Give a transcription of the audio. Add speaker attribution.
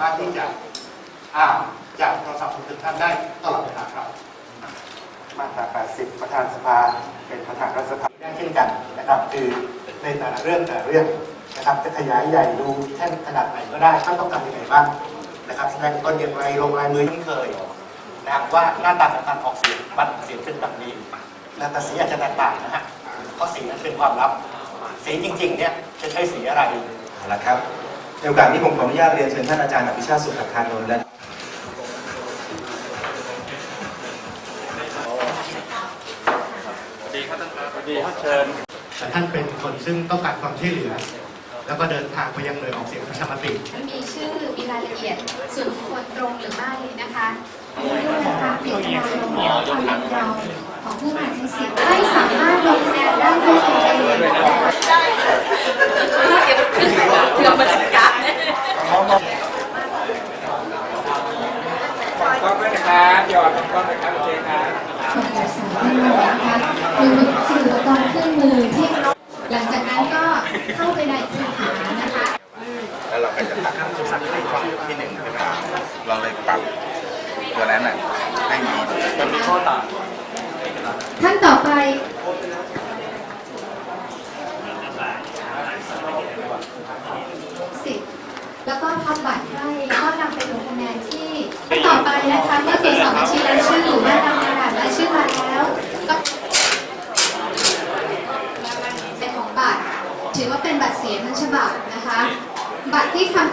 Speaker 1: ามารถที่จะอ่านจากโทรศัพท์ของทุกท่านได้ตลอดเวลาครับมาตรา 80 ประธานสภาเป็นประธานรัฐสภาได้เช่นกันนะครับคือในแต่ละเรื่องนะครับจะขยายใหญ่ดูแท่นขนาดไหนก็ได้ท่านต้องการยังไงบ้างนะครับแสดงตนอย่างไรลงลายมือที่เคยนะครับว่าหน้าตาของการออกเสียงบัตรเสียงเป็นแบบนี้แต่สีอาจจะแตกต่างนะฮะเพราะสีนั้นเป็นความลับสีจริงๆเนี่ยจะใช้สีอะไร
Speaker 2: เอาละครับในโอกาสนี้ผมขออนุญาตเรียนเชิญท่านอาจารย์อภิชาติสุขคานนท์และ
Speaker 3: ดีครับท่านครับดีครับเชิญ
Speaker 1: แต่ท่านเป็นคนซึ่งต้องการความช่วยเหลือแล้วก็เดินทางไปยังหน่วยออกเสียงประชามติ
Speaker 4: มีชื่อมีรายละเอียดส่วนบุคคลตรงหรือไม่นะคะด้วยนะคะเจตนารมณ์ความยินยอมของผู้มาใช้สิทธิ์ไม่สามารถลงคะแนนได้ด้วยตนเองเดี๋ยวมาจัดการ
Speaker 3: ก็ด้วยนะครับหยอดก็ด้วยครับโอเคครับ
Speaker 4: สื่อตอนเครื่องมือที่หลังจากนั้นก็เข้าไปในคูหานะคะ
Speaker 2: แล้วเราก็จะตัดขั้นสักที่หนึ่งใช่ไหมเราเลยปรับตัวนั้นน่ะให้มี
Speaker 3: ข้อต่าง
Speaker 4: ท่านต่อไปแล้วก็ทำบัตรให้แล้วก็นำไปลงคะแนนที่ต่อไปนะคะเมื่อตรวจสอบบัญชีรายชื่อหรือว่านำกระดาษรายชื่อมาแล้วก็เป็นของบัตรถือว่าเป็นบัตรเสียทั้งฉบับนะคะบัตรที่ทำ